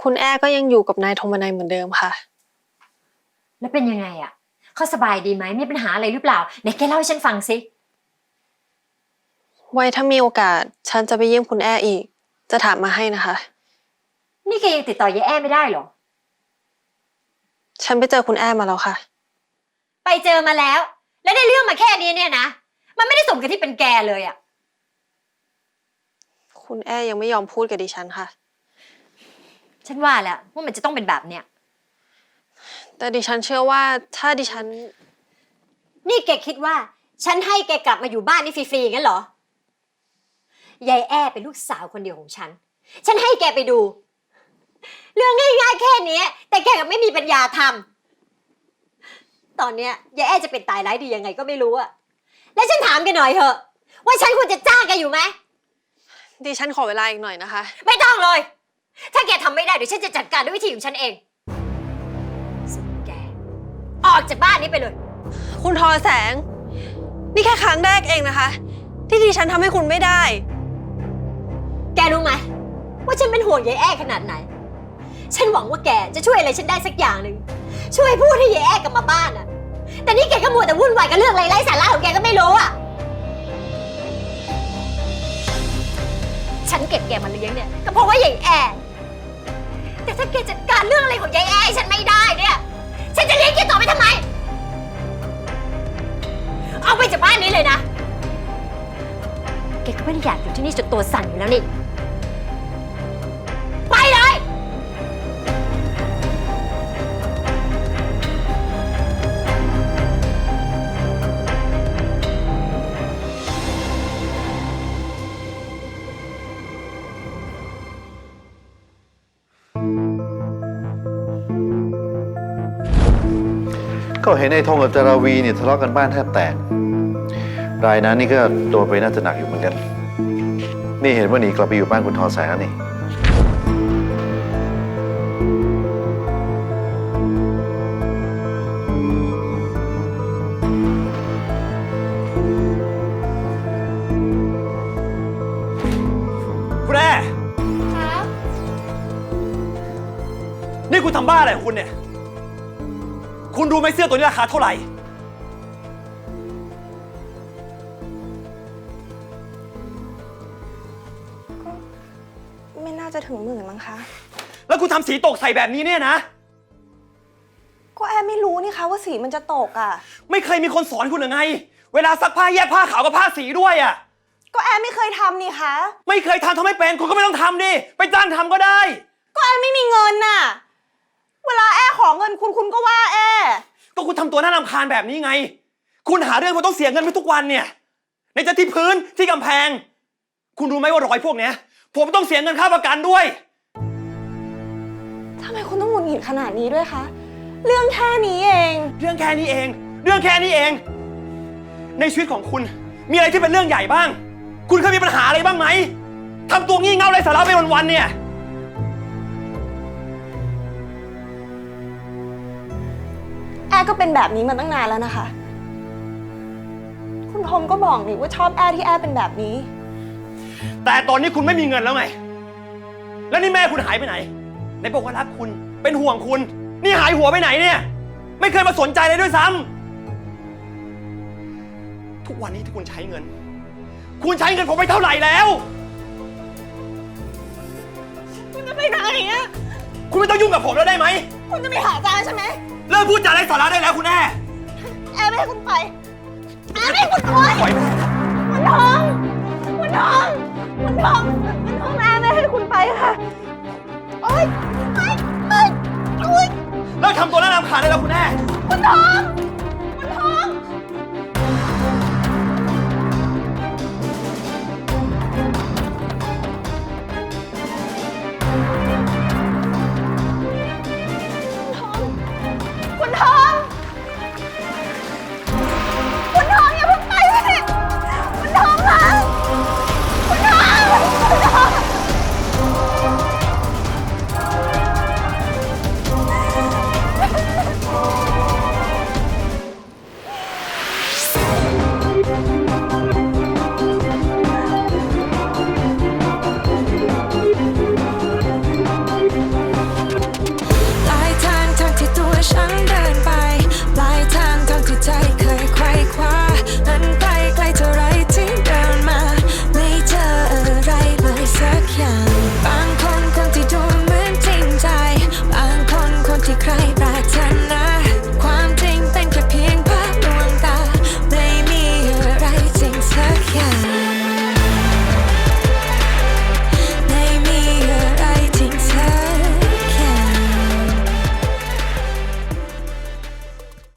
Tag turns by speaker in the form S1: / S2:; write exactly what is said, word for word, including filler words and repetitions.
S1: คุณแอ้ก็ยังอยู่กับนายธงมนัยเหมือนเดิมค่ะ
S2: แล้วเป็นยังไงอ่ะเขาสบายดีไหมมีปัญหาอะไรหรือเปล่าไหนแกเล่าให้ฉันฟังสิ
S1: ไว้ถ้ามีโอกาสฉันจะไปเยี่ยมคุณแอ้อีกจะถามมาให้นะคะ
S2: นี่แกยังติดต่อยายแอ้ไม่ได้เหรอ
S1: ฉันไปเจอคุณแอ้มาแล้วค่ะ
S2: ไปเจอมาแล้วแล้วได้เรื่องมาแค่นี้เนี่ยนะมันไม่ได้สมกับที่เป็นแกเลยอ่ะ
S1: คุณแอ้ยังไม่ยอมพูดกับดิฉันค่ะ
S2: ฉันว่าแล้วว่ามันจะต้องเป็นแบบเนี้ย
S1: แต่ดิฉันเชื่อว่าถ้าดิฉัน
S2: นี่แกคิดว่าฉันให้แกกลับมาอยู่บ้านนี่ฟรีๆงั้นเหรอยายแอ้เป็นลูกสาวคนเดียวของฉันฉันให้แกไปดูเรื่องง่ายๆแค่นี้แต่แกก็ไม่มีปัญญาทำตอนเนี้ยยายแอ้จะเป็นตายร้ายดียังไงก็ไม่รู้อะแล้วฉันถามแกหน่อยเถอะว่าฉันควรจะจ้างแกอยู่ไหม
S1: ดิฉันขอเวลาอีกหน่อยนะคะ
S2: ไม่ต้องเลยถ้าแกทำไม่ได้เดี๋ยวฉันจะจัดการด้วยวิธีของฉันเองส่วนแกออกจากบ้านนี้ไปเลย
S1: คุณทอแสงนี่แค่ครั้งแรกเองนะคะที่ดิฉันทำให้คุณไม่ได้
S2: แกรู้ไหมว่าฉันเป็นห่วงยายแอ้ขนาดไหนฉันหวังว่าแกจะช่วยอะไรฉันได้สักอย่างหนึ่งช่วยพูดให้ยายแอ้กลับมาบ้านอะแต่นี่แกก็มัวแต่วุ่นวายกับเรื่องไร้สาระของแกก็ไม่รู้อะฉันเก็บแกมาเลี้ยงเนี่ยก็เพราะว่ายายแอ้แต่ถ้าแกจัดการเรื่องอะไรของยายแอ้ฉันไม่ได้เนี่ยฉันจะเลี้ยงแกต่อไปทำไมเอาไปจากบ้านนี้เลยนะแกก็ไม่ได้อยากอยู่ที่นี่จนตัวสั่นอยู่แล้วนี่ไปเลย
S3: ก็เห็นไอ้ทงกับจาราวีเนี่ยทะเลาะกันบ้านแทบแตกรายนั้นนี่ก็โดนไปน่าจะหนักอยู่เหมือนกันนี่เห็นว่าหนีกลับไปอยู่บ้านคุณทอแสงแล้วนี่
S4: คุณแม่นี่คุณทำบ้าอะไรของคุณเนี่ยคุณรู้ไหมเสื้อตัวนี้ราคาเท่าไหร่
S1: ก็ไม่น่าจะถึงหมื่นมั้งคะ
S4: แล้วคุณทำสีตกใส่แบบนี้เนี่ยนะ
S1: ก็แอไม่รู้นี่คะว่าสีมันจะตกอ่ะ
S4: ไม่เคยมีคนสอนคุณหรือไงเวลาซักผ้าแยกผ้าขาวกับผ้าสีด้วยอ่ะ
S1: ก็แอไม่เคยทำนี่คะ
S4: ไม่เคยทำทำไม่เป็นคุณก็ไม่ต้องทำดิไปจ้างทำก็ได้
S1: ก็แอไม่มีเงินน่ะเวลาแอขอเงินคุณคุณก็ว่าแอ
S4: ก็คุณทำตัวน่ารำคาญแบบนี้ไงคุณหาเรื่องมันต้องเสียเงินไปทุกวันเนี่ยในจะที่พื้นที่กำแพงคุณรู้ไหมว่ารอยพวกเนี้ยผมต้องเสียเงินค่าประกันด้วย
S1: ทำไมคุณต้องหงุดหงิดขนาดนี้ด้วยคะเรื่องแค่นี้เอง
S4: เรื่องแค่นี้เองเรื่องแค่นี้เองในชีวิตของคุณมีอะไรที่เป็นเรื่องใหญ่บ้างคุณเคยมีปัญหาอะไรบ้างไหมทำตัวงี่เง่าไร้สาระไปวันๆเนี่ย
S1: แอก็เป็นแบบนี้มาตั้งนานแล้วนะคะคุณทอมก็บอกนี่ว่าชอบแอที่แอเป็นแบบนี้
S4: แต่ตอนนี้คุณไม่มีเงินแล้วไงแล้วนี่แม่คุณหายไปไหนไหนบอกว่ารักคุณเป็นห่วงคุณนี่หายหัวไปไหนเนี่ยไม่เคยมาสนใจเลยด้วยซ้ำทุกวันนี้ที่คุณใช้เงินคุณใช้เงินผมไปเท่าไหร่แล้ว
S1: คุณจะไปไหนอ่ะ
S4: คุณไม่ต้องยุ่งกับผมแล้วได้ไหม
S1: คุณจะไปหาจานใช่ไหม
S4: เลิกพูดจาไร้สาระได้แล้วคุณแม่
S1: แอไม่ให้คุณไปแอไม่ให้คุณไป
S4: ปล่อยแม่
S1: คุณทองคุณทองคุณทองคุณทองแอไม่ให้คุณไปค่ะโอ๊ยโอ๊ยโอ๊ยโอ๊ย
S4: เลิกทำตัวน่ารำคาญได้แล้วคุณแม่
S1: คุณทองคุณทอง